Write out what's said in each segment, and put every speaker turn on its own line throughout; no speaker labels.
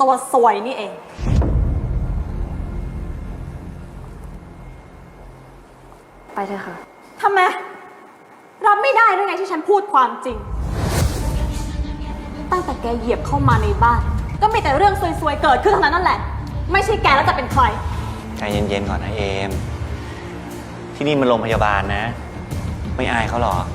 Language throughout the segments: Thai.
ตัวซวยนี่เอง
ไปเถอะค่ะ
ทำไมรับไม่ได้หรือไงที่ฉันพูดความจริง ตั้งแต่แกเหยียบเข้ามาในบ้านก็มีแต่เรื่องซวยๆเกิดขึ้นทั้งนั้นนั่นแหละไม่ใช่แกแล้วจะเป็นใคร
ใจเย็นๆก่อนนะเอมที่นี่มันโรงพยาบาลนะไม่อายเขาหรอ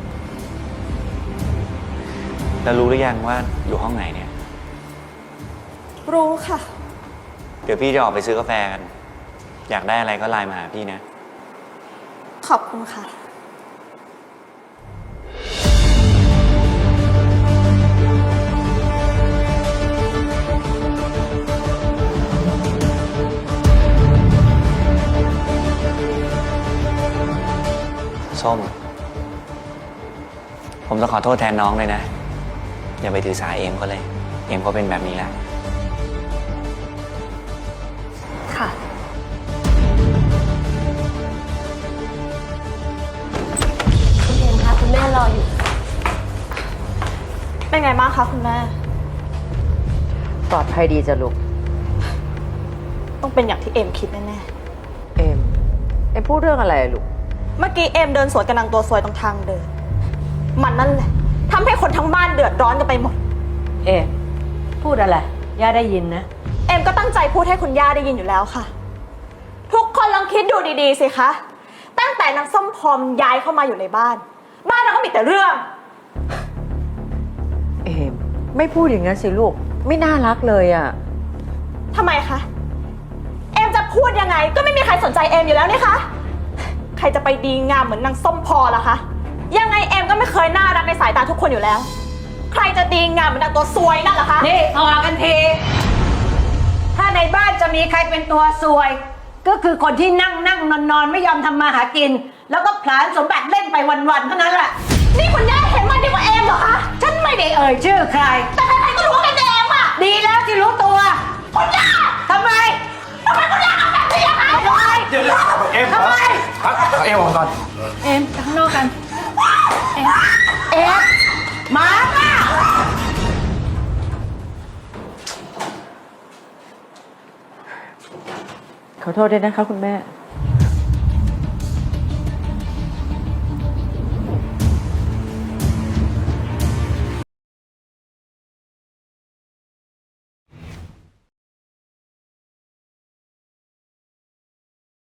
แล้วรู้หรือยังว่าอยู่ห้องไหนเนี่ย
รู้ค่ะ
เดี๋ยวพี่จะออกไปซื้อกาแฟกันอยากได้อะไรก็ไลน์มาหาพี่นะ
ขอบคุณค่ะ
ส้มผมต้องขอโทษแทนน้องเลยนะอย่าไปถือสาเอมเขาเลยเอมเขาเป็นแบบนี้แหละ
ค่ะคุณเอมคะคุณแม่รออยู่
เป็นไงบ้างคะคุณแม่
ปลอดภัยดีจ้ะลูก
ต้องเป็นอย่างที่เอมคิดแน่
เอมพูดเรื่องอะไรลูก
ๆเมื่อกี้เอมเดินสวนกับนางตัวซวยตรงทางเดินมันนั่นแหละทำให้คนทั้งบ้านเดือดร้อนกันไปหมด
เอมพูดอะไรย่าได้ยินนะ
เอมก็ตั้งใจพูดให้คุณย่าได้ยินอยู่แล้วค่ะทุกคนลองคิดดูดีๆสิคะตั้งแต่นางส้มพรย้ายเข้ามาอยู่ในบ้านเราก็มีแต่เรื่อง
เอมไม่พูดอย่างนั้นสิลูกไม่น่ารักเลยอ่ะ
ทำไมคะเอมจะพูดยังไงก็ไม่มีใครสนใจเอมอยู่แล้วนี่คะใครจะไปดีงามเหมือนนางส้มพรล่ะคะยังไงเอมก็ไม่เคยน่ารักในสายตาทุกคนอยู่แล้วใครจะดีงามเหมือนนางตัวซวยนั่นล่ะคะ
นี่พอกันทีถ้าในบ้านจะมีใครเป็นตัวซวยก็คือคนที่นั่งนอนไม่ยอมทำมาหากินแล้วก็ผลาญสมบัติเล่นไปวันๆเท่านั้นแหละ
นี่คุณย่าเห็นมันดีกว่าเอมเหรอคะ
ฉันไม่ได้เอ่ยชื่อใคร
แต่ใครๆก็รู้ว่าเป็นเอมอะ
ดีแล้วที่รู้ตัว
คุณย่า
ทำไม
คุณย่าทำแบบนี้อะคะ
ทำไม
เดี๋ยวเอม
ทำไม
เอมออกก่อน
เอมข้างนอกกันเอมมาป่ะ
ขอโทษด้วยนะคะคุณแม่